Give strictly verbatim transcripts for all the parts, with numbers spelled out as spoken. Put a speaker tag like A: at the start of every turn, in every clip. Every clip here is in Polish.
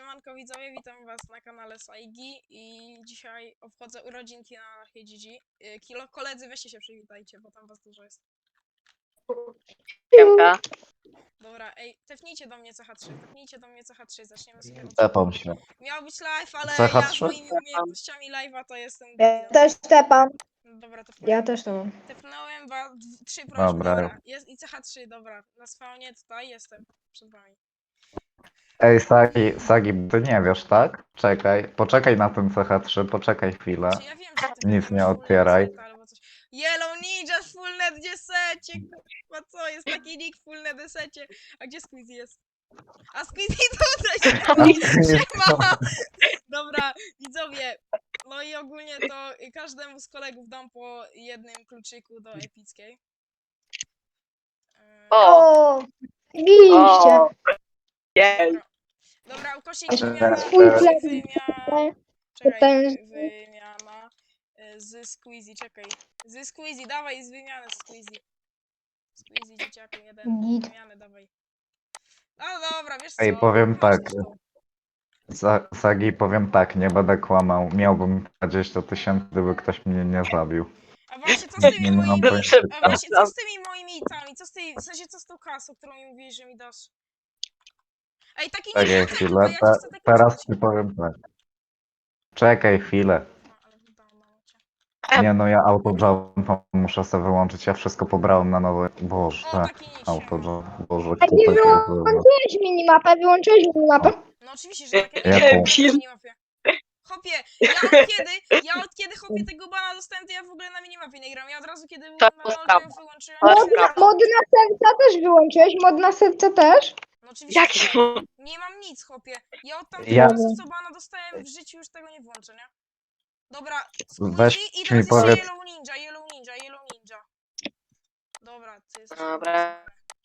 A: Siemanko widzowie, witam was na kanale Saigi i dzisiaj obchodzę urodzinki na Anarchii G G. Y, Kilo, koledzy, weźcie się przywitajcie, bo tam was dużo jest.
B: Siemka.
A: Dobra, ej, tepnijcie do mnie C H trzy, tepnijcie do mnie C H trzy, zaczniemy sobie od...
C: Tepam się.
A: Miał być live, ale
C: C H
A: ja z
C: trzy?
A: moimi umiejętnościami live'a to jestem
D: Ja
A: debilem.
D: też tepam.
A: Dobra, to
D: Ja też to mam.
A: tepnąłem was, dw- trzy prośby,
C: Dobra.
A: dobra, jest i C H trzy, dobra, na spawnie tutaj jestem, przed wami.
C: Ej, Sagi, Sagi, ty nie wiesz, tak? Czekaj, poczekaj na ten C H trzy, poczekaj chwilę.
A: Czy ja wiem, że ty
C: Nic
A: pewnie
C: nie
A: masz full
C: otwieraj.
A: net albo coś. Yellow Ninja z full net desecie, kurwa co, jest taki nick full net desecie. A gdzie Squeezy jest? A Squeezy tutaj się ma. Dobra, widzowie, no i ogólnie to każdemu z kolegów dam po jednym kluczyku do epickiej. Eee,
B: O,
D: O, widzieliście.
B: o, jej.
A: Dobra, dobra ukośnik
D: Jeszcze
A: wymiana,
D: swój
A: ukośnik
D: chleb.
A: wymiana,
D: To
A: czekaj,
D: ten-
A: wymiana e, z Squeezy, czekaj, z Squeezy, dawaj z wymiany z Squeezy. Squeezy dzieciaku, jeden,
D: Git.
A: wymiany dawaj. No dobra, wiesz co,
C: Ej, powiem
A: masz
C: tak.
A: też to.
C: Sa- Sagi, powiem tak, nie będę kłamał. Miałbym dwadzieścia tysięcy, gdyby ktoś mnie nie zabił.
A: A właśnie co z tymi
C: Nie mam
A: moimi,
C: pojęcia.
A: a właśnie co z tymi moimi itami, co z tej, w sensie co z tą kasą, którą mi mówiłeś, że mi dasz? Ej, taki
C: Czekaj
A: nie
C: chwilę,
A: ja ci
C: te,
A: chcę taki
C: teraz
A: coś.
C: ci powiem tak. Czekaj chwilę.
A: A, ale wydałam na locie.
C: Nie no, ja autojump muszę sobie wyłączyć, ja wszystko pobrałem na nowe. Boże,
A: O, taki nick się ma.
C: autojump, Boże,
D: A nie
C: kupę się
D: wyłączyłeś minimapę, wyłączyłeś minimapę?
A: No oczywiście, że takie
C: Jaką?
A: nick na minimapie. Hopie, ja od kiedy, ja od kiedy hopie tego bana dostałem, to ja w ogóle na minimapie nie gram. Ja od razu kiedy
B: To
A: na
B: prawda.
A: locie wyłączyłem...
B: To
A: to
B: jest
A: się-
B: prawda.
D: Mod na serca też wyłączyłeś, mod na serca też?
A: No oczywiście,
B: Jak
A: że
B: to?
A: tak. Nie mam nic, chłopie. Ja od tamtego
C: Ja-
A: czasu, co bana dostałem, w życiu już tego nie włączę, nie? Dobra,
C: Weź
A: Squeezy i
C: mi
A: teraz jeszcze
C: powiedz-
A: Yellow Ninja, Yellow Ninja, Yellow Ninja. Dobra, ty jesteś...
B: Dobra.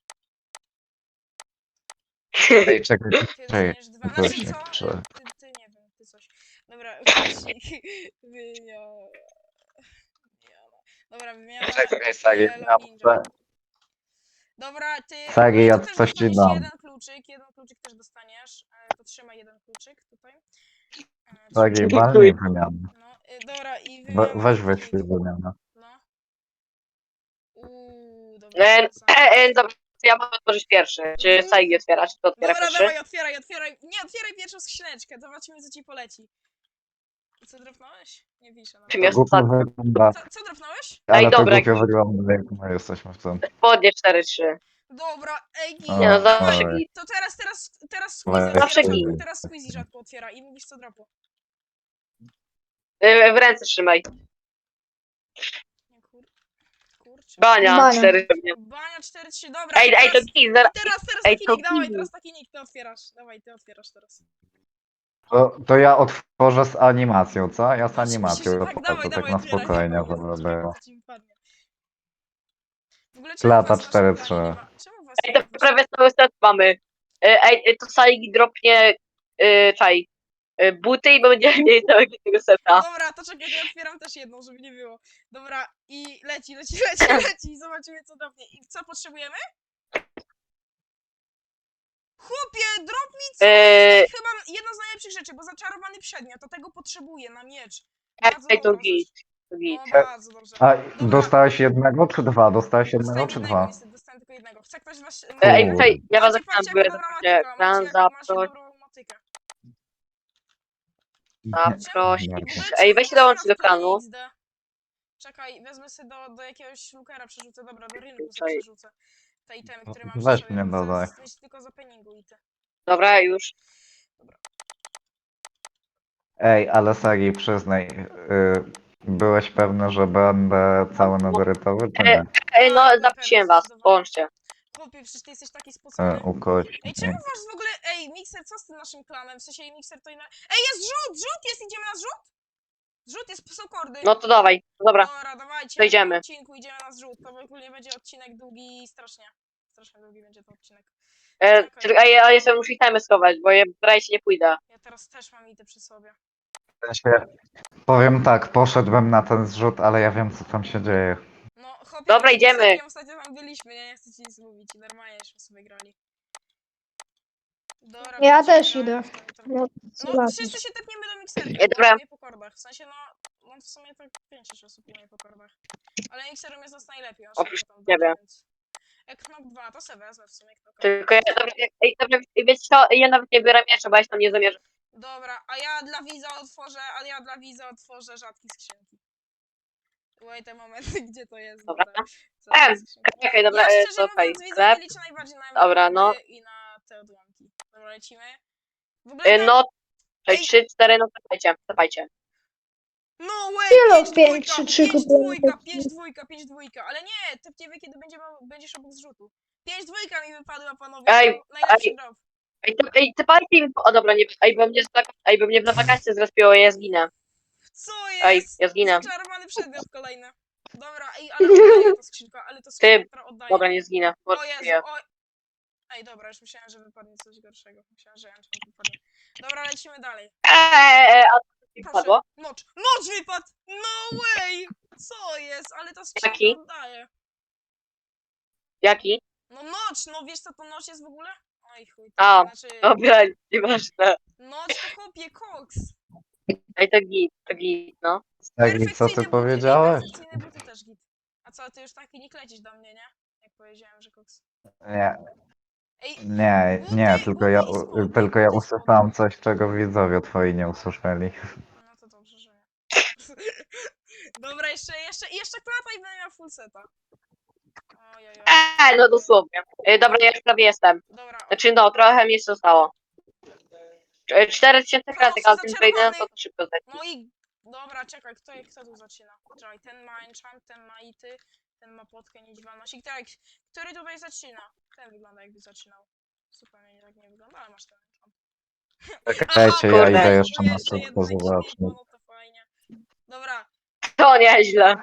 C: Ej, czekaj,
A: Ty
C: czekaj.
A: dostaniesz dwa. Znaczy
C: Ukośnik,
A: co?
C: czy...
A: Ty, ty nie wiem, ty coś. Dobra, ukośnik. Wymiana. Wymiana. Dobra, wymiana.
C: Czekaj, Sagi,
A: Yellow
C: ja
A: Ninja.
C: muszę...
A: Dobra, ty.
C: Sagi,
A: ogólnie
C: ja
A: to też
C: coś ci
A: dostaniesz
C: dam.
A: jeden kluczyk, jeden kluczyk też dostaniesz. E, To trzymaj jeden kluczyk tutaj. E,
C: Sagi,
A: trzymaj.
C: walnij wymianę.
A: No, y, dobra, i
C: We,
A: wymiana.
C: weź
A: taki
C: wyślij
A: nick.
C: wymianę.
A: No. Uuu, dobra.
B: E,
A: wracamy.
B: e, e, dobra, ja mogę otworzyć pierwszy. Czy Saigi otwiera, czy to otwiera
A: Dobra,
B: pierwszy?
A: dawaj, otwieraj, otwieraj. Nie, otwieraj pierwszą skrzyneczkę, zobaczymy, co ci poleci. I co dropnąłeś? Nie piszę nawet.
B: Czy
C: To
B: miał
C: głupio
B: ostatni?
C: wygląda,
A: Co, co dropnąłeś?
C: ale to
B: dobra,
C: głupio
B: jak-
C: wygląda, jak my jesteśmy w tym.
B: Spodnie cztery trzy.
A: Dobra, ej, git.
C: O,
B: Nie no,
A: Dawaj,
B: zawsze
C: oj.
B: git.
A: to teraz, teraz, teraz Squeezy
C: Zawsze
A: otwiera,
B: git.
A: rzadko, teraz Squeezy rzadko otwiera i mówisz co dropu.
B: E, W ręce trzymaj.
A: Nie, kur... Kurczę.
B: Bania,
D: Bania.
B: cztery pewnie.
A: Bania cztery trzy, dobra.
B: Ej,
A: i
B: ej, to
A: teraz,
B: git,
A: i
B: zaraz.
A: teraz, teraz
B: ej,
A: taki
B: to
A: nick, dawaj,
B: git.
A: teraz taki nick, ty otwierasz. Dawaj, ty otwierasz teraz.
C: To, to ja otworzę z animacją, co? Ja z
A: No, oczywiście,
C: animacją
A: że tak,
C: otworzę,
A: dawaj,
C: tak
A: dawaj,
C: na
A: otwieraj.
C: spokojnie,
A: Nie
C: żeby
A: powiem,
C: było.
A: co ci wypadnie. W ogóle czemu
C: Lata
A: was na
C: cztery
A: szpitali
C: trzy.
A: nie ma? Czemu was
B: Ej,
A: nie
B: to
A: ma?
B: prawie cały set mamy. E, Ej, e, to Saigi dropnie, e, czaj, e, buty i będziemy mieli całego tego seta.
A: Dobra, to czekaj, to ja otwieram też jedną, żeby nie było. Dobra, i leci, leci, leci, leci, zobaczymy co dropnie. I co potrzebujemy? Chłopie, drop mi co?
B: Eee.
A: Jest chyba jedna z najlepszych rzeczy, bo zaczarowany przedmiot, to tego potrzebuję na miecz. Bardzo
B: Ej, to
A: dobrą
B: git.
A: rzecz.
B: To git.
A: No, bardzo dobrze.
C: A
A: Dobra.
C: dostałeś jednego czy dwa? Dostałeś jednego
A: Dostałem
C: czy
A: jednego,
C: dwa?
A: niestety, dostałem tylko jednego. Chce ktoś was...
B: E, Ej,
C: Kurde.
B: tutaj, ja was
A: Macie,
B: zapytam,
A: patrzcie,
B: były
A: jaka dobra
B: właśnie
A: motyka. Macie,
B: plan,
A: macie
B: zaproś,
A: dobrą motykę.
B: zaproś.
A: W ogóle
B: Ej,
A: czemu
B: weź się
A: was
B: dołączyć do
A: craftuje
B: klanu.
A: X D? Czekaj, wezmę sobie do, do jakiegoś lookera przerzucę, dobra, do rynku sobie
B: Tutaj.
A: przerzucę. Te itemy, które mam
C: Weź
A: przy sobie,
C: mnie
A: bo
C: dodaj.
A: zaraz myśl tylko za peningu i ty.
B: Dobra, już.
C: Ej, ale Sagi, przyznaj, y, byłeś pewny, że będę cały netherytowy, czy nie?
B: Ej, no,
A: Tak, byłem
B: zaprosiłem
A: pewny,
B: was,
A: zdecydowanie.
B: połączcie.
A: Chłopie, przecież ty jesteś taki
C: E,
A: spocony.
C: ukośnik.
A: Ej, czemu masz w ogóle... Ej, Mixer, co z tym naszym klanem? W sensie Mixer to inna... Ej, jest zrzut! Zrzut jest! Idziemy na zrzut? Zrzut jest, są kordy.
B: No to dawaj, dobra.
A: Dobra, dawajcie.
B: to idziemy.
A: Po odcinku idziemy na zrzut. To ogólnie będzie odcinek długi strasznie. Strasznie długi będzie to odcinek.
B: E,
A: Czekaj.
B: czy- Ej, ja jeszcze muszę itemy schować, bo ja braj się nie pójdę.
A: Ja teraz też mam ity przy sobie.
C: W sensie, powiem tak, poszedłem na ten zrzut, ale ja wiem, co tam się dzieje.
A: No, chłopie,
B: Dobra,
A: to z
B: idziemy.
A: Mixerkiem ostatnio tam byliśmy, nie? Nie chcę ci nic mówić. I normalnie żeśmy sobie grali. Dobra,
D: Ja
A: chodźcie,
D: też
A: gramy
D: idę.
A: sobie trochę.
D: No,
A: No, wszyscy się tepniemy do mikserki,
B: Ej,
A: bo
B: dobra.
A: nie po kordach. W sensie, no, no w sumie tak pięć osób umie po kordach. Ale mikserem jest nas najlepiej, aż
B: Oprócz
A: tam
B: ciebie.
A: dodam, więc... Jak Knock dwa, to se wezmę w sumie Knocka.
B: Tylko ja, dobra, ej, dobra, wiecie co, ja nawet nie biorę miecza, bo ja się tam nie zamierzam.
A: Dobra, a ja dla widza otworzę, a ja dla widza otworzę rzadkie skrzynki. Wait a moment, gdzie to jest?
B: Dobra.
A: Dobra, rzadkie
B: Em,
A: skrzynki.
B: Czekaj, dobra,
A: Ja
B: e,
A: szczerze
B: to okej.
A: mówiąc, widzowie
B: Sklep.
A: liczę najbardziej na
B: Dobra,
A: emeraldy
B: no.
A: i na te odłamki. Dobra, lecimy. W ogóle
B: E,
A: tam...
B: No,
A: Ej.
B: trzy, cztery, no zapajcie, zapajcie.
A: No way,
D: Kilo
A: pięć
D: pięć,
A: dwójka,
D: trzy, trzy
A: pięć
D: kupiłem.
A: dwójka, pięć dwójka, pięć dwójka, ale nie, tepniemy kiedy będzie, będziesz obok zrzutu. pięć dwójka mi wypadła, panowie,
B: Ej,
A: to najlepszy
B: ej.
A: drop.
B: Ej, to, ej, te parki mi... O dobra, nie, ej, bo mnie, za- ej, bo mnie na wakacje zrespiło, ja zginę.
A: Co
B: Ej,
A: jest?
B: ja zginę.
A: Zaczarowany przedmiot kolejny. Dobra, ej, ale oddaję to skrzynka, ale to skrzynka,
B: Ty,
A: która oddaje.
B: Dobra, nie zginę. bo
A: O Jezu,
B: żyję.
A: o... Ej, dobra, już myślałem, że wypadnie coś gorszego. Myślałem, że enchant wypadnie. Dobra, lecimy dalej.
B: Eee, a co ci
A: Proszę,
B: wpadło?
A: nocz. Nocz wypadł! No way! Co jest? Ale ta skrzynka
B: Jaki?
A: oddaje.
B: Jaki?
A: No nocz, no wiesz co to nocz jest w ogóle? Oj chuj.
B: A,
A: Znaczy,
B: Dobra, nieważne.
A: nocz to chłopie koks.
B: Ej, to git, to git, no.
C: Tak, i co
A: Perfekcyjne
C: ty
A: buty,
C: powiedziałeś?
A: Ej, perfekcyjne buty też git. A co, ty już taki nie lecisz do mnie, nie? Jak powiedziałem, że koks.
C: Nie,
A: Ej,
C: nie,
A: buty,
C: nie, tylko ja,
A: buty i
C: u-
A: spodnie,
C: tylko ja
A: buty i
C: usłyszałem coś, czego widzowie twoi nie usłyszeli.
A: No to dobrze, że nie. Dobra, jeszcze, jeszcze, jeszcze klata i będę miał full seta. Ojej,
B: Eee, no dosłownie. Ej, dobra, ja już prawie jestem.
A: Dobra,
B: Znaczy, no, trochę mi jeszcze zostało. cztery tysiące kratek, ale tym
A: zaczarowany.
B: wejdę, to szybko zejdę.
A: no i... Dobra, czekaj, kto, kto tu zaczyna? Czekaj, ten ma enchant, ten ma ity, ten ma potkę niedźwiadność. I który, który tutaj zaczyna? Ten wygląda jakby zaczynał. Zupełnie nie tak nie wygląda, ale masz ten enchant.
C: Czekajcie, ja
B: kurde.
C: idę jeszcze na
A: jeszcze
C: szybko
A: jedno
C: zobaczyć.
A: ekwipunku, no to fajnie. Dobra,
B: To nieźle.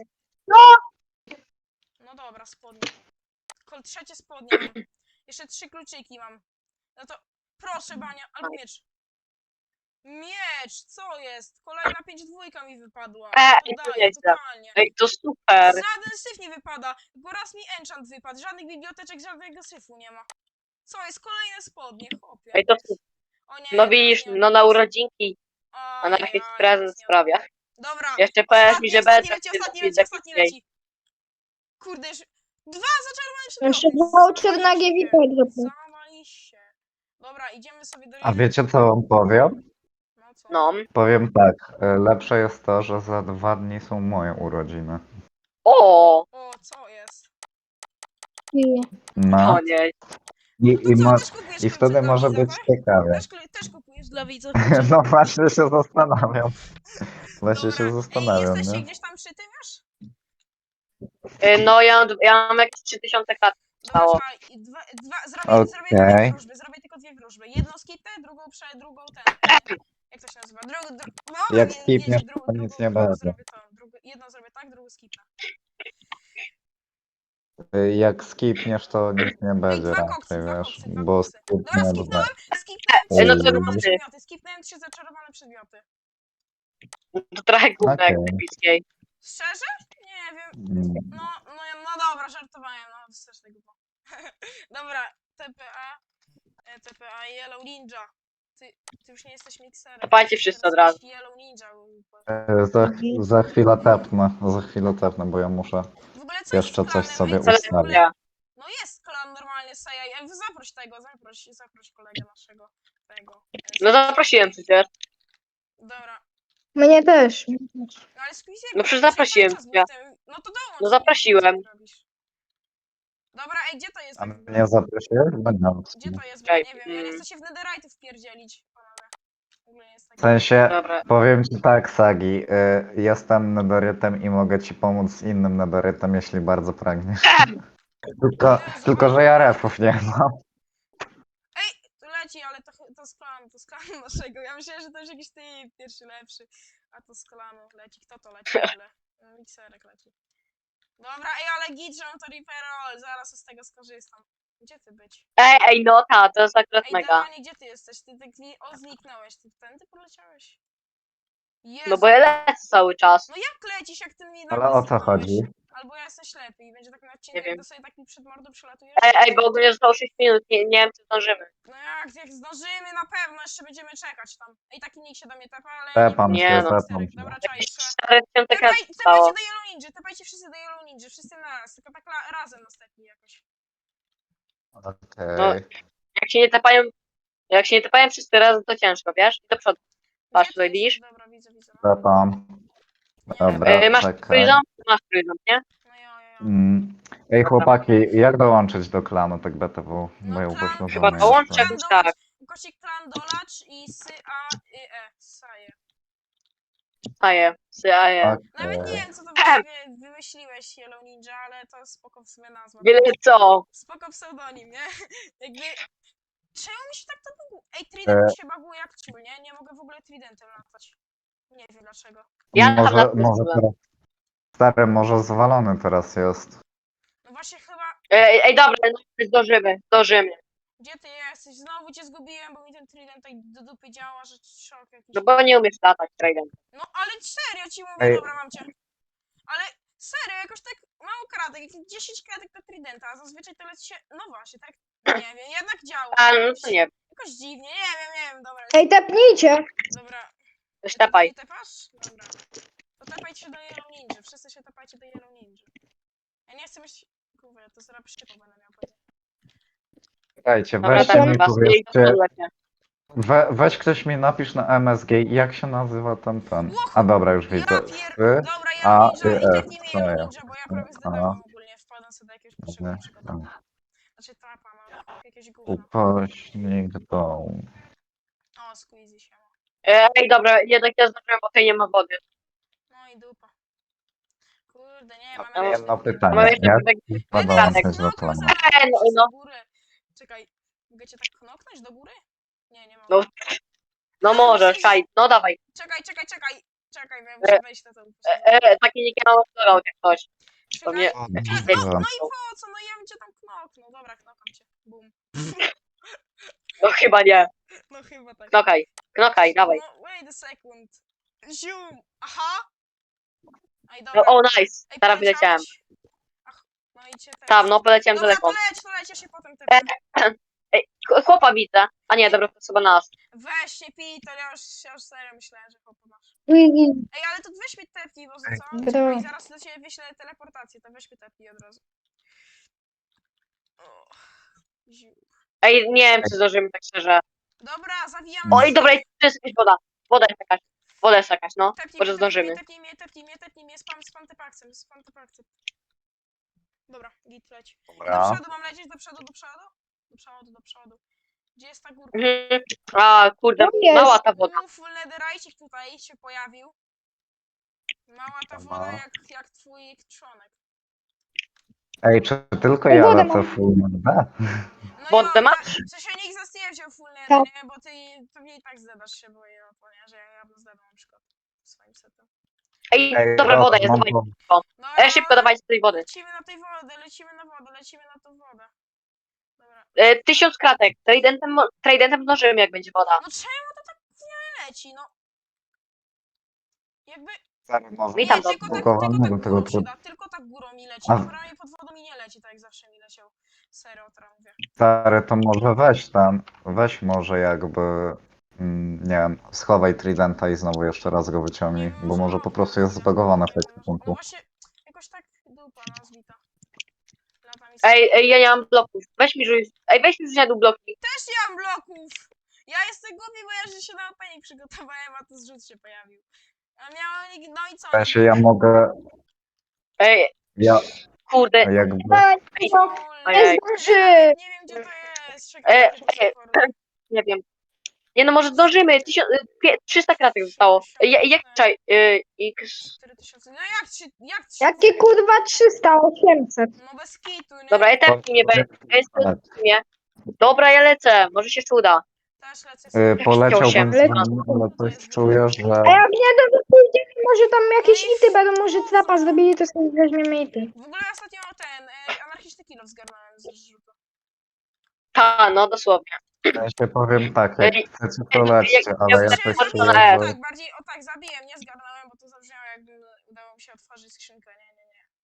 A: no dobra, spodnie. Kol, trzecie spodnie mam. Jeszcze trzy kluczyki mam. No to proszę, Bania, albo miecz. Miecz, co jest? Kolejna pięć dwójka mi wypadła.
B: E,
A: Oddaję,
B: nieźle.
A: totalnie.
B: Ej, to super.
A: Żaden syf nie wypada, bo raz mi enchant wypadł, żadnych biblioteczek, żadnego syfu nie ma. Co jest? Kolejne spodnie, chłopie.
B: Ej, to super.
A: O nie,
B: No
A: teraz
B: widzisz,
A: nie
B: no na
A: oddaję.
B: urodzinki, a na
A: Ajajaj,
B: jakiś
A: teraz
B: prezent
A: nie
B: sprawia.
A: oddaję. Dobra,
B: Jeszcze powiesz
A: ostatni,
B: mi, że
A: ostatni
B: będę
A: leci,
B: wtedy
A: ostatni
B: lepiej
A: leci, ostatni
B: lepiej.
A: leci. Kurde, już... Dwa zaczarowani przedmioty.
D: Jeszcze voucher na
A: Zawaliście.
D: G V P.
A: Zawaliście. Dobra, idziemy sobie do...
C: A wiecie co wam powiem?
A: No co?
B: No.
C: Powiem tak, e, lepsze jest to, że za dwa dni są moje urodziny.
B: O,
A: O, co jest?
C: No,
B: o nie.
C: i,
A: No to
C: i,
A: co,
C: mo-
A: też kupujesz
C: i
A: klucze
C: wtedy
A: dla
C: może
A: widza,
C: być
A: tak?
C: ciekawie.
A: Też, klu- też kupujesz dla widza klucze?
C: No właśnie się zastanawiam. Właśnie
A: Dobra,
C: się
A: ej,
C: zastanawiam,
A: jesteście
C: nie?
A: gdzieś tam przy tym już?
B: Y, No ja, mam- ja mam jakieś trzy tysiące kratek.
A: Dobra,
B: Stało.
A: czekaj, i dwa, dwa, zrobię, zrobię tylko
C: Okej.
A: dwie wróżby, zrobię tylko dwie wróżby. Jedną skipę, drugą prze, drugą ten. Jak to się nazywa? Drugą, dru, no,
C: Jak
A: wie-
C: skipniesz,
A: wiecie, dru,
C: to
A: drugą,
C: nic nie
A: drugą
C: będzie.
A: zrobię to. Drugą, jedną zrobię tak, drugą skipę.
C: Y, Jak skipniesz, to nic nie
A: Ej,
C: będzie
A: dwa koksy,
C: raczej,
A: dwa
C: wiesz,
A: koksy, dwa
C: bo
A: koksy. Dobra,
C: skipnie
A: skipnąłem,
C: dwa.
A: skipnąłem trzy
B: Ej, no to
A: zaczarowane
B: roboty.
A: przedmioty, skipnąłem trzy zaczarowane przedmioty.
B: To trochę gówno jak
C: Okej.
B: epickiej.
A: Szczerze? Nie wiem,
C: Mm.
A: no, no, ja- no dobra, żartowałem, no, strasznie głupo. Dobra, T P A, e, T P A Yellow Ninja. Ty, ty już nie jesteś mikserem.
B: Kopajcie wszyscy
A: Teraz
B: od razu.
A: jesteś Yellow Ninja.
C: E, Za, za chwilę tepnę, za chwilę tepnę, bo ja muszę
A: W ogóle co
C: jeszcze
A: jest z
C: coś
A: klanem?
C: sobie
A: Ej, co jest w
C: ustawić.
A: ogóle? No jest klan normalnie, Seja. Ej, zaproś tego, zaproś, zaproś kolegę naszego. Tego. e,
B: No zaprosiłem przecież.
A: Dobra.
D: Mnie też.
A: No ale Squeeziego.
B: No przecież zaprosiłem cię.
A: No to dołącz.
B: No zaprosiłem.
A: co ty robisz? Dobra, ej, gdzie to jest?
C: A
A: tak w ogóle?
C: mnie zaprosiłeś? Bo nie.
A: Gdzie to jest? Bo ja
B: Czekaj,
A: nie wiem, ja nie
B: mm.
A: chcę się w netherite wpierdzielić, panowie. W ogóle nie jest tak.
C: W sensie,
B: Dobra.
C: powiem ci tak, Sagi, y, jestem nedorytem i mogę ci pomóc z innym nedorytem, jeśli bardzo pragniesz. Tylko, tylko że ja refów nie mam.
A: Tu leci, ale to, to z klanu, to z klanu naszego. Ja myślałem, że to już jakiś ty pierwszy lepszy. A to z klanu leci. Kto to leci w ogóle? No, mikserek leci. Dobra, ej, ale git, że mam to referral. Zaraz z tego skorzystam. Gdzie ty być?
B: Ej, ej, no ta, to jest akurat
A: Ej,
B: mega.
A: Devani, gdzie ty jesteś? Ty tak zni- o, zniknąłeś. Ty tędy poleciałeś? Jezu.
B: No bo ja lecę cały czas.
A: No jak lecisz, jak ty mi
C: Ale
A: nagle
C: o co
A: zniknąłeś?
C: chodzi?
A: Albo ja jestem ślepy i będzie tak na
B: Nie
A: odcinku, jak
B: wiem.
A: to sobie tak mi przed mordą przelatujesz.
B: Ej, ej, bo ogólnie zostało sześć minut, nie, nie wiem czy zdążymy.
A: No jak, jak zdążymy na pewno, jeszcze będziemy czekać tam. Ej, taki nikt się do mnie tepa, ale
C: Tepam
A: nie
B: się,
A: wiem,
C: tepam
A: sterek.
C: się.
A: Dobra, czekaj,
B: Jakieś
A: jeszcze.
B: cztery tysiące krat
A: Tepaj,
B: zostało.
A: tepajcie do Yellow Ninja, tepajcie wszyscy do Yellow Ninja, wszyscy na raz, tylko tak la, razem następnie jakoś.
C: Okej.
B: Jak się nie tapają, jak się nie tapają wszyscy razem, to ciężko, wiesz? I do przodu. Patrz,
A: Gdzie
B: tutaj
A: ty
B: widzisz?
A: jesteś? Dobra, widzę, widzę. No,
C: Tepam.
A: nie,
C: Dobra,
B: Yy, masz
C: czekaj.
B: trójząb? Masz trójząb, nie?
A: no jo, jo, jo.
C: Mm. Ej chłopaki, jak dołączyć do klanu tak B T W? Bo
A: No
C: ja
A: klan,
C: upośledzony
B: Chyba
A: klan
B: dołącz
C: jestem.
B: jakoś
A: dolacz,
B: tak.
A: Kosik klan dolacz i sy a y e, saje.
B: Staje, staje.
A: Nawet nie
C: Okej.
A: wiem, co to właściwie wymyśliłeś, Yellow Ninja, ale to spoko w sumie nazwa.
B: Wiele co?
A: Spoko pseudonim, nie? Jakby... Czemu mi się tak to baguje? Ej,
C: E.
A: Trident mi się baguje jak ciul, nie? Nie mogę w ogóle Tridentem latać. Nie wiem dlaczego.
B: Ja tam
C: Może,
B: lat
C: może teraz... Stary, może zwalony teraz jest.
A: No właśnie chyba...
B: Ej, ej, dobra, no, zdążymy, zdążymy.
A: Gdzie ty jesteś? Znowu cię zgubiłem, bo mi ten Trident tak do dupy działa, że szok jakiś.
B: No bo nie umiesz latać, Traden.
A: No ale serio ci mówię,
C: Ej.
A: dobra, mam cię. Ale serio, jakoś tak mało kratek, jakieś dziesięć kratek do Tridenta, a zazwyczaj to leci się... No właśnie, tak... Nie wiem, jednak działa.
B: A, no
A: jakoś,
B: to nie,
A: jakoś dziwnie, nie wiem, nie wiem, dobra.
D: Ej, tepnijcie.
A: Dobra.
B: też
A: Ty tu
B: tapaj.
A: nie tepasz? Dobra. To tepajcie się do Yellow Ninja. Wszyscy się tepajcie do Yellow Ninja. Ja nie chcę mieć... Kurwa, to zaraz przypał będę miał pewnie.
C: Czekajcie,
B: Dobra,
C: weźcie
B: tak,
C: mi
B: chyba
C: powiedzcie,
B: powiedzcie.
C: we, weź ktoś mi napisz na M S G, jak się nazywa ten ten.
A: Łoch!
C: A dobra, już
A: Ja
C: widzę.
A: pier...
C: Sy,
A: Dobra,
C: A,
A: Yellow Ninja.
C: y,
A: I
C: F,
A: tepnij mi
C: co
A: Yellow
C: ja?
A: Ninja, bo ja prawie
C: A,
A: zdedałem ogólnie. Wpadłem sobie do jakiegoś pierwszego przygotowania. Znaczy trapa mam. Jakieś gówno.
C: upośnik dołu.
A: O, squeezy się ma.
B: Ej, dobra, jednak ja zdążyłem, bo tutaj nie ma wody.
A: No i dupa. Kurde, nie,
B: No,
A: mamy
B: mam
A: jeszcze
C: Jedno
A: takie-
C: pytanie,
B: Mamy jeszcze
C: jak
B: tutaj
C: ma
A: Będę
B: kratek.
C: dołączyć do
A: knoknął
C: klanu?
A: zaraz
B: Ej, no,
A: przez
B: no.
A: górę. Czekaj, mogę cię tak knoknąć do góry? Nie, nie mogę.
B: No, no możesz, czaj, no dawaj.
A: Czekaj, czekaj, czekaj. Czekaj, bo ja
B: E,
A: muszę wejść na to.
B: E, e, taki nick ja mam odblokował, jak coś. To mnie...
A: Czekaj.
C: O,
A: E, no,
C: dobra.
A: no i po co? No ja bym cię tam knoknął. Dobra, knokam cię. Bum.
B: No chyba nie.
A: No chyba tak.
B: Knokaj, knokaj, dawaj.
A: No, wait a second. Zium. Aha. Ej,
B: No,
A: dobra.
B: o, nice.
A: Ej,
B: Teraz wyleciałem.
A: poleciałeś? Ach, no i cię też.
B: Tam, no poleciałem
A: Dobra,
B: daleko.
A: to leć, to leć, ja się potem tepnę.
B: Ej, ch- chłopa widzę. A nie, dobra, to jest chyba nas.
A: Weź się pij, to ja już, ja już serio myślałem, że chłopa masz.
D: Wiggy.
A: Ej, ale to weź mi tepnij, bo za
C: Ej.
A: co?
D: Dobra.
A: Czekaj, zaraz do ciebie wyślę teleportację, to weź mi tepnij od razu. O, ziu.
B: Ej, nie wiem, czy zdążymy, tak szczerze.
A: Dobra, zawijam.
B: Oj, dobra, tu jest jakaś woda. Woda jest jakaś. Woda jest jakaś, no.
A: Tepnij
B: Może
A: mnie, tepnij
B: zdążymy.
A: mnie, tepnij mnie, tepnij mnie, tepnij mnie, spam, spam te paksem, spam te paksem. Dobra, git leć. Do
C: Dobra.
A: przodu mam lecieć, do przodu, do przodu? Do przodu, do przodu. Gdzie jest ta górka?
B: Mhm. A, kurde,
D: Tu jest.
B: mała ta woda.
A: U, full netherite tutaj się pojawił. Mała ta
C: Dobra.
A: woda jak, jak twój trzonek.
C: Ej, czy tylko
D: Ej,
C: ja
D: wodę
C: lecę
D: mam.
C: full B?
A: No
B: Wodę
A: ja,
B: masz?
A: w sensie nikt z nas nie wziął full nether,
D: Tak.
A: nie? Bo ty pewnie i tak zdedasz się, bo ja to nie, że ja, ja bym zdedał na przykład swoim setem.
B: Ej,
C: Ej,
B: dobra, woda jest,
C: mam
B: dawaj.
C: to-
A: No,
B: Ej, szybko, dawajcie tej wody.
A: Lecimy na tej wodę, lecimy na wodę, lecimy na tą wodę. Dobra.
B: E, tysiąc kratek. Tradentem, mo- tradentem zdążymy, jak będzie woda.
A: No czemu to tak nie leci, no? Jakby...
C: Stary, może
B: Witam,
A: nie,
B: to
A: tylko tak,
C: zbugowane
A: tylko
C: do
A: tak
C: tego
A: górą się
C: trybu.
A: da, tylko tak górą mi leci.
C: A-
A: Naprawdę pod wodą mi nie leci, tak jak zawsze mi leciał. Serio, teraz mówię.
C: Stary, to może weź tam, weź może jakby, mm, nie wiem, schowaj Tridenta i znowu jeszcze raz go wyciągnij,
A: Nie
C: bo może po
A: mogę,
C: prostu jest
A: nie
C: zbagowane w
A: mogę,
C: tym
A: No
C: punktu.
A: właśnie, jakoś tak dupa nazwita. Lata mi
B: Ej, ej, ja nie mam bloków. Weź mi rzuć. Ej, weź mi z rzędu bloki.
A: Też nie mam bloków! Ja jestem głupi, bo ja że się na opening przygotowałem, a tu zrzut się pojawił. A miałem... No i co?
C: W sensie ja mogę,
B: Ej,
C: ja
B: kurde.
C: jakby,
D: Ej, no,
A: Kurde,
B: Ojej.
D: nie zdąży.
A: Nie wiem gdzie to jest.
B: E,
A: Czekaj,
B: e, Nie wiem. Nie no, może zdążymy. Tysiąc, e, pie- trzysta kratek zostało. Ej, ja- jak czaj? e, X.
A: cztery tysiące. No jak ci... Jak ci...
D: Jakie kurwa trzysta, osiemset.
A: No bez kitu, nie?
B: Dobra, ja tepnij mnie, be- ja jestem mnie. Dobra, ja lecę. Może się jeszcze uda.
A: Też lecę
C: y,
A: sobie.
C: poleciałbym z
D: Leci.
C: wami, ale coś czuję, że
D: A jak nie, to pójdziemy, może tam jakieś ity będą, może trapa zrobili, to sobie weźmiemy ity.
A: W ogóle ostatnio ten e, anarchistyczny kilo zgarnąłem z rzutu.
B: Ta, no dosłownie.
C: ja się powiem tak, jak
B: Ej,
C: chcecie to lećcie,
B: jak-
C: ale ja
B: jak-
C: coś
B: jak-
C: czuję,
B: jak-
C: że...
A: Tak, bardziej o tak, zabiłem, nie zgarnąłem, bo to zabrzmiało jakby udało mi się otworzyć skrzynkę, nie, nie, nie.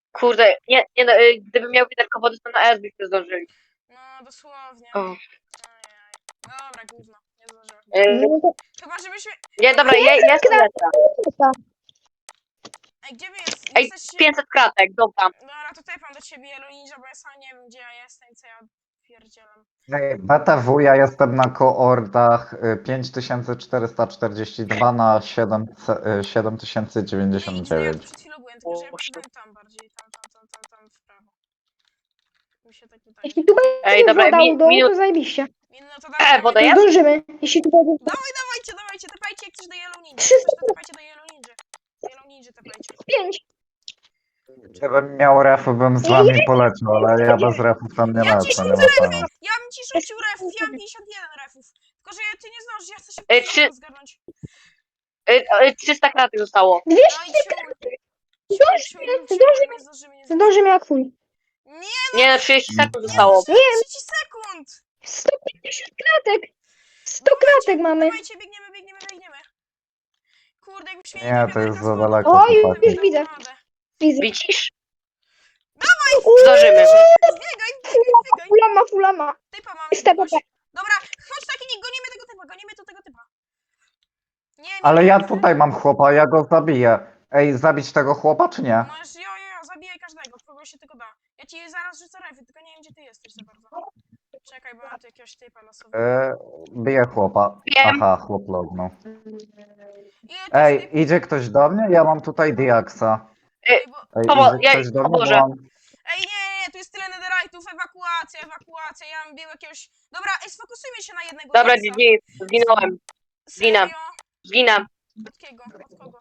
B: Kurde, nie, nie no, y, gdybym miał wiaderko wody, to na S byśmy zdążyli.
A: No, dosłownie.
B: O.
A: Ajaj. Dobra, gówno. Nie zdążyłem.
B: Y,
D: No to
A: Chyba, żebyśmy...
B: nie, dobra, ja, ja jestem lepsza.
D: chyba.
A: Ej, gdzie wy jest?
B: Ej,
A: Jesteście...
B: pięćset kratek, dobra.
A: Dobra, to tepam do ciebie, Yellow Ninja, bo ja sam nie wiem, gdzie ja jestem i co ja pierdzielam.
C: Ej, B T W, ja jestem na koordach y, pięć tysięcy czterysta czterdzieści dwa na siedem tysięcy dziewięćdziesiąt
A: Nie, nic, no ja
C: dziewięć.
A: przed chwilą byłem, tylko że ja
B: O,
A: poszedłem tam bardziej, tam, tam, tam, tam, tam w prawo. Mi się tak wydaje.
D: Jeśli tu
B: Ej,
D: będzie
B: dobra,
D: woda
B: mi-
D: u dołu,
B: minut-
D: to zajebiście.
A: No to
B: E,
A: dawaj,
B: woda
D: To
B: jest?
D: zdążymy. Jeśli tu będzie...
A: Dawaj, dawajcie, dawajcie, tepajcie jak coś do Yellow Ninja.
D: Trzy
A: Coś to tepajcie do Yellow Ninja. Yellow Ninja tepajcie.
D: Pięć.
C: Gdybym miał refy, bym z wami poleciał, ale ja bez refów tam nie
A: Ja ci
C: lecę, nie
A: rzucę
C: ma
A: refy!
C: pana.
A: Ja bym ci rzucił refów, ja mam pięćdziesiąt jeden refów. Tylko, że ty nie zdążysz, ja chcę się
B: Ej, czy-
A: zgarnąć.
B: Y, y, trzysta kratek zostało.
A: No
D: Dwieście.
A: i ciul.
D: Zdążymy,
A: Ciul, ciul,
D: zdążymy.
A: nie zdążymy, nie zdążymy.
D: Zdążymy jak chuj.
A: Nie,
B: Nie, no trzydzieści sekund
A: nie
B: zostało.
A: zdążymy, trzydzieści sekund!
D: sto pięćdziesiąt kratek. sto kratek mamy.
A: Dawajcie, biegniemy, biegniemy, biegniemy. Kurde, jakbyś mieli
C: Nie,
A: te
C: to jest
A: wiaderka
C: za
A: z wodą,
C: daleko,
A: to
D: O,
A: bym
D: już,
C: chłopaki.
A: dał
D: widzę.
A: radę.
D: Widzę.
B: Widzisz?
D: Uuu,
B: Zdążymy.
A: Zbiegaj, zbiegaj, zbiegaj.
D: Fulama, fulama.
A: Typa mamy
D: Jest T P
A: jakiegoś.
D: P.
A: Dobra, chodź taki, nie gonimy tego typa, gonimy tu tego typa. Nie, nie,
C: Ale
A: nie,
C: ja
A: nie.
C: tutaj mam chłopa, ja go zabiję. Ej, zabić tego chłopa czy nie?
A: Możesz, jo, jo, jo, zabijaj każdego, kogo się tylko da. Ja ci zaraz rzucę refy, tylko nie wiem, gdzie ty jesteś za bardzo. Czekaj, bo mam tu jakiegoś typa losowego.
C: E, biję chłopa.
B: Wiem.
C: Aha, chłop lognął.
A: Ile tu
C: Ej,
A: jest typów?
C: idzie ktoś do mnie? Ja mam tutaj Diaksa.
A: Ej, bo...
C: Ej,
B: Pomo-
C: idzie
B: ja-
C: ktoś do mnie,
B: pomożę.
C: bo mam...
A: Ej, nie, nie, tu jest tyle netherite'ów, ewakuacja, ewakuacja, ja bym bił jakiegoś... Dobra, ej, sfokusujmy się na jednego
B: Dobra,
A: Diaksa.
B: G G, zginąłem. zginę.
A: Serio?
B: Zginę.
A: Od kiego? Od kogo?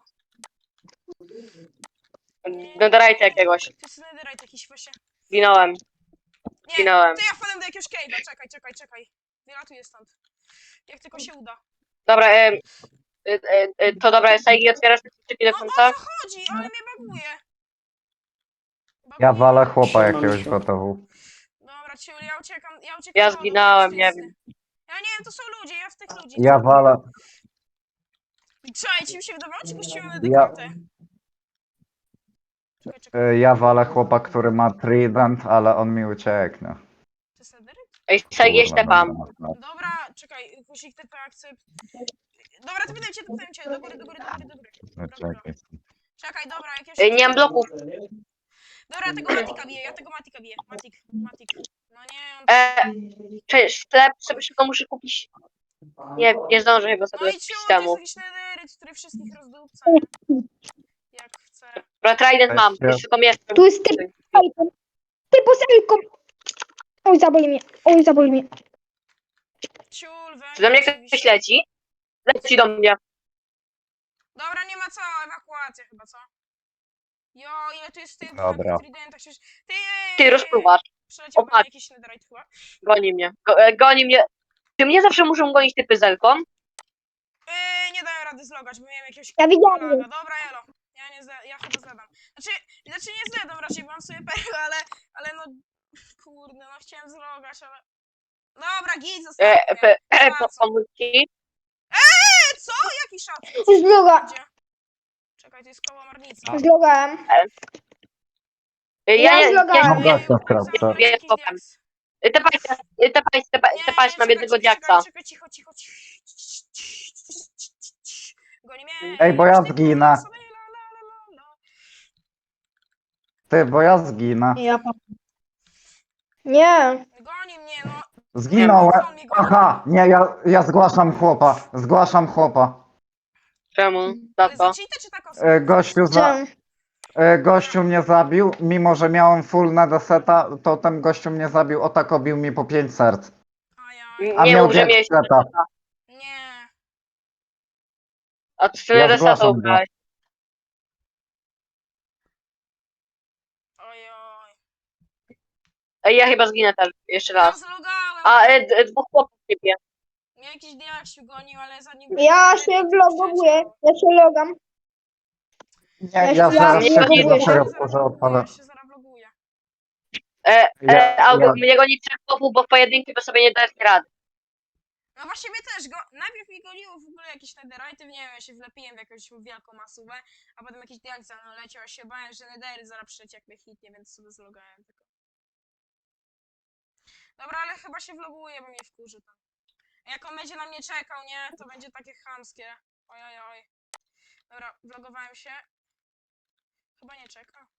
B: Netherite jakiegoś.
A: To jest netherite jakiś właśnie.
B: Zginąłem.
A: Nie,
B: Zginąłem.
A: to ja wpadłem do jakiegoś cave'a, czekaj, czekaj, czekaj. Wylatuję stąd. Jak tylko się uda.
B: Dobra, e, e, e, e, to dobra, Saigi, otwierasz te skrzyki do
A: No o
B: końca?
A: co chodzi? Ale mnie baguje.
C: Ja
A: Baguje.
C: walę chłopa jakiegoś B T W.
A: Dobra, ciul, ja uciekam, ja uciekam.
B: Ja
A: do- do
B: zginąłem,
A: tej
B: nie
A: świstny. Ja nie wiem, to są ludzie, ja w tych ludzi.
C: Ja walę...
A: Czekaj, ci mi się wydawało, czy puściłem na
C: Ja,
A: dekartę? Czekaj, czekaj,
C: e, ja walę chłopa, który ma trident, ale on mi ucieknie.
A: to jest netherite?
B: Ej, Saigi,
C: Kurwa,
B: tepam.
C: będę na-
A: Dobra, czekaj, kusik T P akcept. Dobra, to pytam cię, to pytam cię, do góry, do góry, do góry, do góry.
C: na-
A: Dobra, dobra.
C: Czekaj.
A: Czekaj, dobra, jakiegoś...
B: E, nie mam bloków.
A: Dobra, tego Matika biję, ja tego Matika biję. Matik, Matik. No nie, on...
B: E, cześć, sklep sobie szybko muszę kupić. Nie, nie zdążę chyba
A: No
B: sobie
A: i ciul, to jest
B: temu.
A: jakiś nederyt, który wszystkich rozdupca, nie? Jak chce.
B: Dobra, trident mam,
C: Ja-
B: jeszcze tylko mieszkam.
D: Tu jest typ. Ty poselką. Oj, zaboli mnie. Oj, zaboli mnie.
A: Ciul,
B: Czy do mnie ktoś
A: oczywiście.
B: leci? Leci do mnie.
A: Dobra, nie ma co, ewakuacja chyba, co? Jo, ile tu jest tych
C: Dobra.
A: tridentach, przecież... Ty,
B: Ty rozpływasz,
A: Przeleciał
B: O, patrz.
A: jakiś netherite chyba.
B: goni mnie. Go, e, goni mnie. Czy mnie zawsze muszą gonić typy z elką?
A: Yy, nie daję rady zlogać, bo miałem jakiegoś...
D: Ja widziałem.
A: laga. Dobra, elo. Ja nie zle... ja chyba zledam. Znaczy, znaczy nie zledam raczej, bo mam sobie perłę, ale... Ale no... Kurde, no chciałem zlogać, ale... Dobra, git,
B: E,
A: zostawię.
B: e, e,
A: Ma
B: po,
A: co?
B: pomóc ci?
A: E, co? Jaki szat?
D: Zloga.
A: Gdzie? Czekaj, to jest koło marnica.
D: Zlogałem.
B: E,
D: Ja
B: ja, ja,
D: zlogałem.
B: ja,
C: Mam gościa w kratce.
B: Wiem,
A: Jakiś
B: potem.
A: diaks.
B: E, Tepajcie, e, tepajcie, tepajcie, tepajcie, mam
A: czekaj,
B: jednego
A: czekaj,
B: diaksa.
A: Czekaj, cicho, cicho, cicho. Goni mnie.
C: Ej, bo ja
A: jakiś typ,
C: zginę.
A: sobie, la, la, la, la, la.
C: Ty, bo ja zginę.
D: Ja pa- Nie.
A: Goni mnie, no.
C: Zginąłem.
A: On mnie goni.
C: Aha, nie, ja, ja zgłaszam chłopa. Zgłaszam chłopa.
B: Czemu? Za
A: Ale
B: co?
A: za cheatę czy tak
C: E, gościu, za,
D: Czemu?
C: e, gościu mnie zabił, mimo że miałem full nedeseta, to ten gościu mnie zabił, o tak obił mi po pięć serc.
A: Ajaj.
C: A
B: Nie
C: miał
B: mów, że
C: wiek
B: miałeś
C: seta.
A: Nie.
B: A ty
C: Ja
B: tyle
C: zgłaszam
B: desatów
C: go.
B: brałeś.
A: Ojoj.
B: Ej, ja chyba zginę też, jeszcze
A: Ja
B: raz.
A: zlogałem.
B: A, e, d- dwóch chłopów ciebie.
A: Mnie jakiś diaksiu gonił, ale zanim...
D: Ja się vloguję. Ja się logam.
C: Nie,
D: Ja
C: ja
D: się-
C: zaraz
B: ja
C: się
B: vloguję
C: do
B: się.
C: tego może odpalę.
A: Ja się zaraz vloguję.
B: E, e,
C: Ja-
B: albo
C: ja-
B: mnie goni trzech chłopów, bo w pojedynkę by sobie nie dać rady.
A: No właśnie mnie też go. Najpierw mi goliło w ogóle jakieś netherite, nie wiem, ja się wlepiłem w jakąś wielką masówę, a potem jakiś diaksa no leciał, a się bałem, że nedery zaraz przyleci jak mnie hitnie, więc sobie zlogałem tylko. Dobra, ale chyba się vloguje, bo mnie wkurzy tam. Jak on będzie na mnie czekał, nie? To będzie takie chamskie. Oj, oj, oj. Dobra, vlogowałem się. Chyba nie czeka.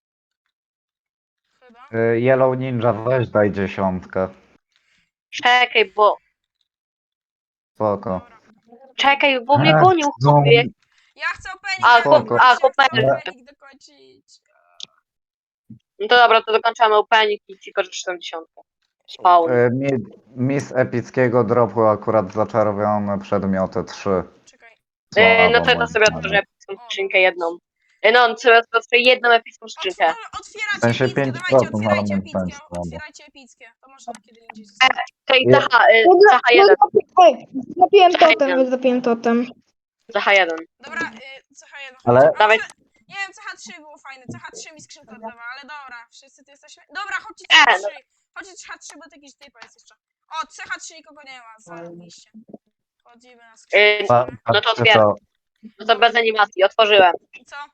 A: Chyba.
C: Y, Yellow Ninja, weź daj dziesiątkę.
B: Czekaj, bo...
C: Spoko.
A: Dobra.
B: Czekaj, bo mnie
C: Ech,
B: gonił,
C: no.
B: chłopie.
A: Ja chcę opening,
B: A,
A: ja chcę
C: chłop-
A: dokończyć,
B: a,
A: ja chcę
B: chłopak-
A: opening dokończyć.
B: No to dobra, to dokończamy opening i ci pożyczę dziesiątkę. Spawn.
C: Y, mi, mi z epickiego dropu akurat zaczarowione przedmioty trzy.
A: Czekaj.
B: E, no
C: Słabo,
B: to to
C: moim
B: sobie
C: zdaniem.
B: otworzę epicką skrzynkę jedną. E, no, sobie otworzę jedną epicką
A: Otw
B: skrzynkę.
A: o, otwieracie
C: W sensie
A: epickie,
C: pięć
A: dawajcie,
C: procent, ale
A: otwierajcie
C: moim zdaniem
A: epickie,
C: słabo.
A: otwierajcie epickie. To można kiedy indziej zostawić.
B: Tej
C: Je-
B: C H, e,
D: No,
B: C H jeden,
D: Oj, zrobiłem
B: Czekaj,
D: totem,
B: jeden.
D: zrobiłem totem.
B: C H jeden.
A: Dobra, y, C H jeden.
C: Ale-
A: A
B: Dawaj.
A: może, nie wiem, C H trzy było fajne, C H trzy mi skrzynka oddawała, ale dobra, wszyscy tu jesteśmy. Dobra, chodźcie
B: E,
A: C H
B: no.
A: trzy, chodźcie C H trzy, bo to jakiś typa jest jeszcze. O, C H trzy nikogo nie ma, zarobiście. Chodzimy na skrzynkę.
C: Pa,
B: No to
C: patrzcie
B: otwieram.
C: to.
B: No to bez animacji, otworzyłem.
A: I co?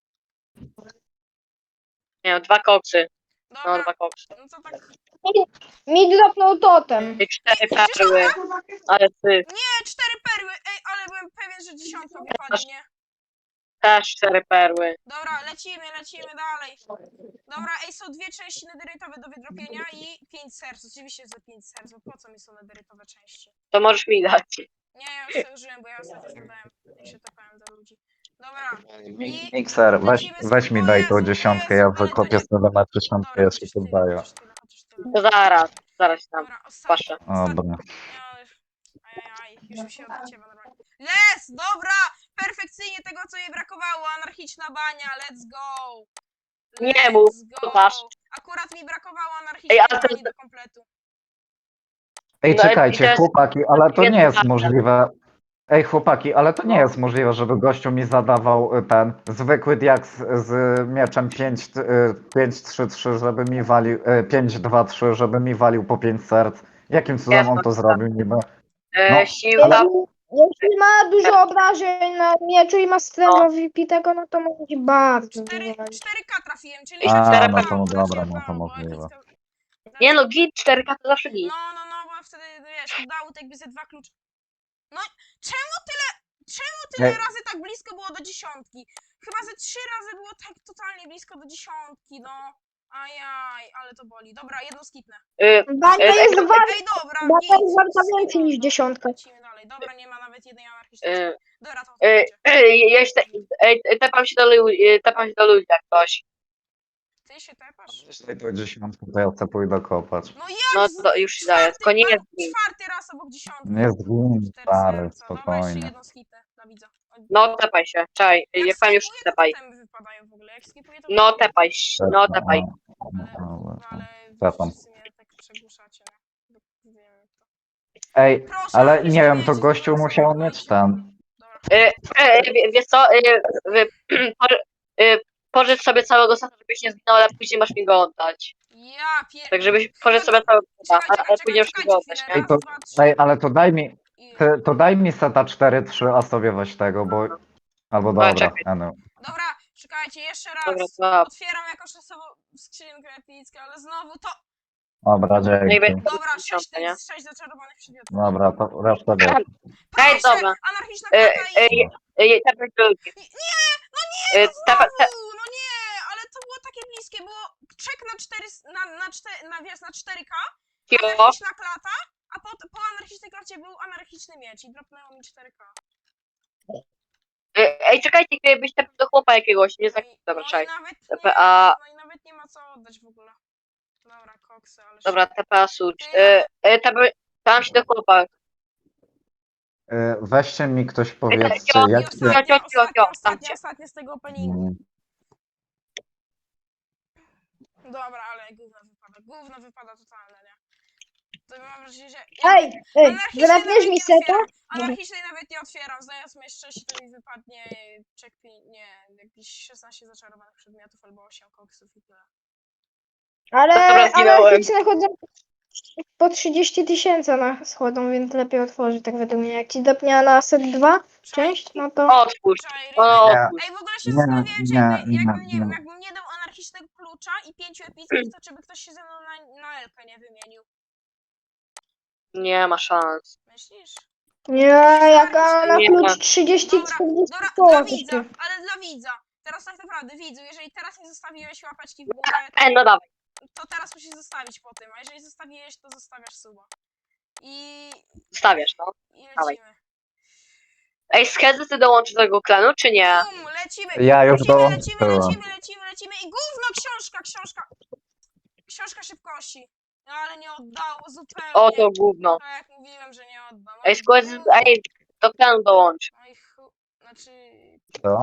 B: Nie wiem, dwa koksy. No,
A: Dobra,
B: dwa koksy.
A: no to tak.
D: Mi dropnął totem.
B: I cztery
A: Ej, gdzieś
B: perły. Ale ty
A: Nie, cztery perły, ej, ale byłem pewien, że dziesiątka wypadnie, nie?
B: też cztery perły.
A: Dobra, lecimy, lecimy dalej. Dobra, ej, są dwie części nederytowe do wydropienia i pięć serc. Oczywiście za pięć serc, bo po co mi są nederytowe części?
B: To możesz mi dać.
A: Nie, ja już to użyłem, bo ja ostatnio zadałem, jak się topałem do ludzi. Dobra, i...
C: Mikser, weź,
A: lecimy z-
C: weź mi
A: o
C: daj
A: Jezu,
C: tą
A: o
C: dziesiątkę,
A: Jezu,
C: ja
A: ale to
C: wykopię
A: nie-
C: sobie na tysiąc,
A: Dobra,
C: ja się
A: chociaż tyle,
C: poddaję.
A: chociaż tyle, chociaż tyle.
B: To zaraz, zaraz tam.
A: Dobra, ostatni,
B: Patrzę.
A: ostatni.
C: Dobra.
A: Ja już- Ajajaj, już mi się odciewa normalnie. Les, dobra! Perfekcyjnie tego, co jej brakowało. Anarchiczna bania, let's go!
B: Nie
A: Let's
B: mów,
A: go.
B: masz.
A: Akurat mi brakowało anarchicznej
B: Ej, ale to-
A: bani do kompletu.
C: Ej,
B: No, i
C: czekajcie,
B: teraz-
C: chłopaki, ale to nie jest
B: Jest-
C: możliwe. Ej, chłopaki, ale to nie
B: No.
C: jest możliwe, żeby gościu mi zadawał y, ten zwykły diaks z mieczem pięć trzy trzy, żeby mi walił, y, pięć dwa trzy, żeby mi walił po pięć serc. Jakim cudem
B: Jest,
C: on
B: no
C: to zrobił niby?
B: E,
C: No.
B: siła.
D: Jeśli, jeśli ma dużo obrażeń na mieczu i ma strefę wybitego, no to może być bardzo
A: cztery
D: dużo.
A: cztery K trafiłem, czyli
B: A,
A: raczej
B: no to
A: udało,
C: dobra,
A: raczej
C: no to
A: udało, bo
C: możliwe.
A: epicka-
B: Nie no, git cztery K to zawsze git.
A: No, no, no, bo wtedy, wiesz, udało tak jakby ze dwa klucze. No, czemu tyle, czemu tyle
C: Ej.
A: razy tak blisko było do dziesiątki? Chyba ze trzy razy było tak totalnie blisko do dziesiątki, no. Ajaj, ale to boli. Dobra, jedno skipnę.
B: Y,
D: Bania
B: Ej,
D: jest
B: ej,
D: warta,
A: Ej, dobra,
D: bania
A: git,
D: jest warta
A: skipnę,
D: więcej niż
A: no.
D: dziesiątka.
A: Lecimy dalej. Dobra, nie ma nawet jednej anarchistycznej.
B: y,
A: Dobra, to
B: y,
A: odchodźcie.
B: y, ja się, ej, tepam się do ludzi, y, tepam się do ludzi jak ktoś.
A: Ty się tepasz?
C: Jeśli to dziesiątkę, to ja chcę pójdę kopać.
A: No jak
B: No
A: z...
B: to już ci daję,
A: czwarty,
B: tylko nie
A: a,
B: jest git.
A: czwarty raz obok dziesiątki.
C: Nie zgin,
A: Cztery
C: stary,
A: serca. Dobra, jeszcze
C: spokojnie.
A: jedną skipnę dla widza. O,
B: No tepaj się, czaj,
A: jak
B: jak pan już
A: skipuję,
B: tepaj.
A: to temy wypadają w ogóle. Jak skipuję, to
B: No
A: wypadają.
B: tepaj, się, no tepaj.
A: Ale, ale
C: Tepam.
A: wszyscy mnie tak przegłuszacie, no. Bo wiem to.
C: Ej,
A: Proszę,
C: ale
A: ale
C: nie
A: się
C: wiem, to
A: wiecie,
C: gościu
A: zaraz
C: musiał
A: zamknijcie.
C: mieć ten.
A: Dobra.
B: Y, y, wie- wiesz co, y, wy, poży- y, pożycz sobie całego seta, żebyś nie zginął, ale później masz mi go oddać.
A: Ja pier...
B: Tak żebyś pożycz sobie całego seta,
A: Czekaj,
B: a,
A: czekaj,
B: a później
A: czekaj,
B: już mi go
A: czekajcie
B: oddać,
A: chwilę.
B: nie?
C: Ej, to,
A: Raz, dwa, trzy.
C: ej, ale to daj mi,
A: I...
C: ty, to daj mi seta cztery trzy, a sobie weź tego, bo... Albo
B: Dobra,
C: dobra,
B: czekaj.
C: ja no.
A: Dobra, czekajcie, jeszcze raz.
B: Dobra, to
A: Otwieram jakąś osobą skrzynkę epicką, ale znowu to...
C: Dobra,
B: no i
C: dzięki.
B: będzie
A: Dobra, sześć,
B: dziesiątka, nie?
A: sześć zaczarowanych przedmiotów.
C: Dobra, to resztę wiesz.
B: Ej,
A: Proszę,
B: dobra.
A: anarchiczna
B: Y,
A: klata i...
B: y, y, tepaj do ludzi.
A: Nie, no nie,
B: Y,
A: no
B: tepa- te-
A: znowu, no nie, ale to było takie bliskie, było czek na cztery, na, na, cztery, na, wiesz, na cztery K,
B: Cicho.
A: anarchiczna klata, a po, po anarchicznej klacie był anarchiczny miecz i dropnęło mi cztery K.
B: Y, Ej, czekajcie, jakbyś tepał do chłopa jakiegoś, nie
A: No
B: tak.
A: i,
B: Dobra,
A: no i
B: czekaj.
A: nawet
B: T
A: nie,
B: P A.
A: no i nawet nie ma co oddać w ogóle. Dobra, koksy, ale...
B: Dobra, T P A sucz.
A: Ty,
B: Y, y, tepaj- Tam się do chłopa.
C: Y, Weźcie mi ktoś powiedzcie,
B: Cio,
A: I
C: jak
B: cio,
A: ostatnia,
B: cio, cio,
A: ostatnia,
B: cio, tam
A: ostatnia,
B: cię.
A: ostatnia z tego openingu.
C: Mm,
A: Dobra, ale gówno wypada, gówno wypada totalne, nie? To mam wrażenie, że...
D: Ej, ej,
A: Anarchicznej
D: zdrapniesz
A: nawet
D: mi
A: nie
D: seta?
A: otwieram. Anarchicznej nawet nie otwieram. Znając mnie szczęście, to mi wypadnie check pi- nie, jakieś szesnaście zaczarowanych przedmiotów albo osiem koksów i tyle.
D: Ale
B: Dobra, zginąłem.
D: anarchiczne chodzą, po trzydzieści tysięcy na schodzą, więc lepiej otworzyć, tak według mnie. Jak ci dopnie na set dwa część, no to...
B: Otwórz.
A: Czaj,
B: O,
C: Nie.
B: otwórz.
A: Ej, w ogóle się
C: Nie,
A: zastanawiałem, czy
C: nie,
A: jakby,
C: nie,
A: jakbym, nie wiem,
C: nie.
A: jakbym nie dał anarchicznego klucza i pięciu epickich, to czy by ktoś się ze mną na, na Elkę nie wymienił?
B: Nie ma szans.
A: Myślisz?
D: Nie, jaka na
B: Nie.
D: klucz trzydzieści
A: Dobra,
D: czterdzieści
A: dobra,
D: koła
A: dla widza,
D: kosztuje.
A: ale dla widza. Teraz tak naprawdę, widzu, jeżeli teraz nie zostawiłeś łapeczki w górę,
B: E, no dawaj.
A: to teraz musisz zostawić po tym, a jeżeli zostawiłeś, to zostawiasz suba. I,
B: Stawiasz, no.
A: i
B: Dawaj.
A: lecimy.
B: Ej, Skezy, ty dołączysz do tego klanu, czy nie?
A: Bum, lecimy,
C: Ja już
A: lecimy, lecimy,
C: dołączyłem.
A: lecimy, lecimy, lecimy i gówno, książka, książka. Książka szybkości. No ale nie oddało zupełnie.
B: O, to gówno.
A: Tak jak mówiłem, że nie oddam.
B: Ej, Skezy, ej, do klanu dołącz.
A: No i chu... Znaczy...
C: Co?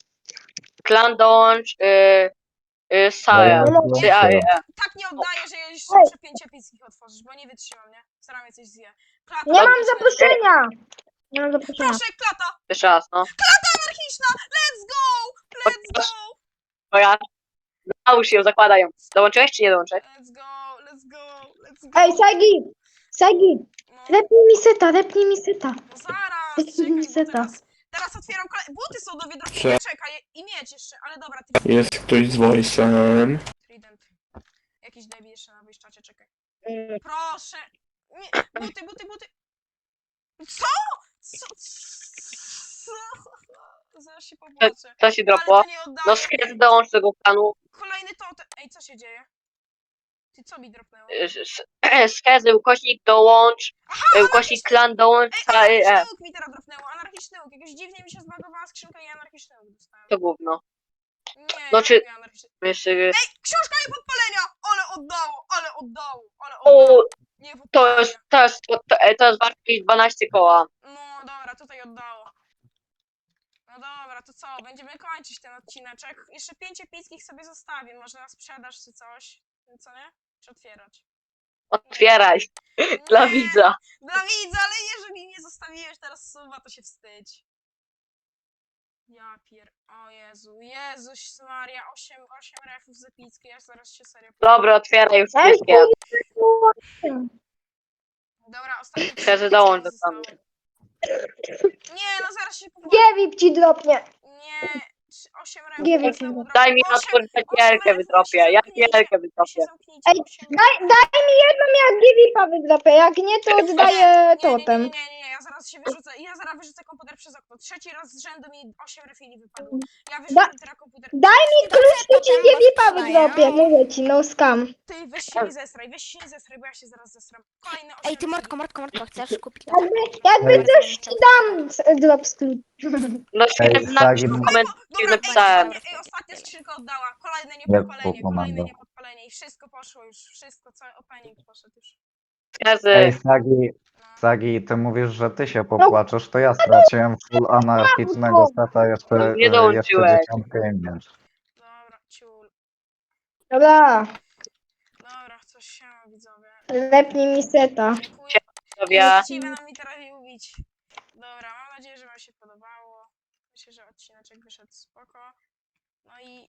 B: Klan dołącz, y, y,
C: No ja
B: Sael.
C: już
B: Czy, a, y,
C: dołączyłem.
B: e.
A: Tak nie oddaję, że jeszcze muszę pięć epickich otworzyć, bo nie wytrzymam, nie? Staram się coś zje. Klata
D: Nie mam
A: anarchiczna.
D: zaproszenia! Nie mam zaproszenia.
A: Proszę, klata!
B: Jeszcze raz, no.
A: Anarchiczna! Let's go! Let's go!
B: Dobra. Nałóż ją, zakładaj ją. Dołączyłeś, czy nie dołączyłeś?
A: Let's go! Let's go! Let's go!
D: Ej, Sagi! Sagi!
A: No,
D: Lepnij mi seta, lepnij mi seta.
A: no zaraz,
D: Jest
A: czekaj, bo
D: niesteta.
A: teraz... Teraz otwieram kole... Buty są do wydrobienia, czekaj, i mieć jeszcze, ale dobra, ty...
E: Jest ktoś z voice'em.
A: Trident. Jakiś debil jeszcze na wyjściacie, czekaj.
D: Mm.
A: Proszę! Nie, buty, buty, buty! Co? Co? Co? Zaraz się popłaczę.
B: Co się
A: Ale
B: dropło?
A: to nie oddaję.
B: No Skezy dołącz do tego klanu.
A: Kolejny totem. Ej, co się dzieje? Ty, co mi dropnęło?
B: Y, s- Skezy, ukośnik dołącz. y, Ukośnik klan dołącz.
A: Ej,
B: A, y,
A: anarchiczny
B: e.
A: łuk mi teraz dropnęło, anarchiczny łuk. Jakoś dziwnie mi się zbagowała skrzynka i anarchiczny łuk dostałem.
B: To gówno.
A: Nie,
B: No
A: ja
B: czy-
A: lubię anarchiczny.
B: Jeszcze,
A: Ej, książka nie podpalenia! Ale oddało, ale oddało, ale oddało.
B: o,
A: Nie
B: to
A: podpalenia.
B: jest, to jest, to, to, to jest warte jakieś dwanaście koła.
A: No dobra, tutaj oddało. No dobra, to co? Będziemy kończyć ten odcineczek. Jeszcze pięć epickich sobie zostawię. Może na sprzedaż czy coś. Co nie? Czy otwierać?
B: Otwieraj. Dla
A: Nie,
B: widza.
A: Dla widza, ale jeżeli nie zostawiłeś teraz suba, to się wstydź. Ja pier... O Jezu, Jezuś Maria, osiem, osiem refów z epickiej, ja zaraz się serio...
B: Dobra, otwieraj już
D: Ej,
B: wszystkie.
A: Dobra, ostatnie trzy
B: Skezy
A: epickje
B: dołącz do
A: zostały.
B: klanu.
A: Nie, no zaraz się popłaczę.
D: Giewip ci dropnie.
A: Nie, trzy- osiem refów.
D: Nie wiem,
A: jak znowu
D: czy-
B: Daj mi
A: osiem-
B: otworzyć
A: osiem
B: wielkę
A: refów,
B: wydropię.
A: wy się
B: Ja
A: zamknijcie,
B: wielkę
A: wy się
B: wydropię.
A: zamknijcie,
D: Ej,
A: osiem
D: Daj, daj mi jedną, jak Giewipa wydropię. Jak nie, to oddaję
A: Nie, nie, nie,
D: totem.
A: nie, nie, nie, ja zaraz się wyrzucę, ja zaraz wyrzucę komputer przez okno. Trzeci raz z rzędu mi osiem refili wypadło. Ja wyrzucam teraz komputer.
D: Daj mi klucz, to ci Giewipa wydropię. Mówię ci, no scam.
A: Ty, weź się nie zesraj, weź się nie zesraj, bo ja się zaraz zesram. Kolejne osiem
F: Ej, ty
A: refili.
F: Mordko, Mordko, Mordko, chcesz kupić to?
D: Jakby, jakby coś ci dam z- drop z klucz.
B: No
C: Ej,
B: Skezy, napisz
C: Sagi,
B: w
C: no-
B: komentarzu,
A: Dobra, ej,
B: napisałem.
A: ostatnie, ej, ostatnia skrzynka oddała. Kolejne
C: Jak
A: niepodpalenie,
C: to
A: kolejne
C: komando?
A: niepodpalenie i wszystko poszło już, wszystko, cały opening poszedł już.
C: Ej,
B: Skezy,
C: Sagi,
A: No.
C: Sagi, ty mówisz, że ty się popłaczesz, to ja straciłem full anarchicznego seta, jeszcze,
B: Nie
C: e, jeszcze
B: dołączyłeś.
C: dziesiątkę i miecz.
A: Dobra, ciul.
D: Dobra,
A: Dobra, coś się widzowie.
D: lepnij mi seta.
A: Dziękuję.
B: sobie.
A: Właściwie nam mi teraz ubić. Dobra, mam nadzieję, że wam się podobało. Myślę, że odcineczek wyszedł spoko. No i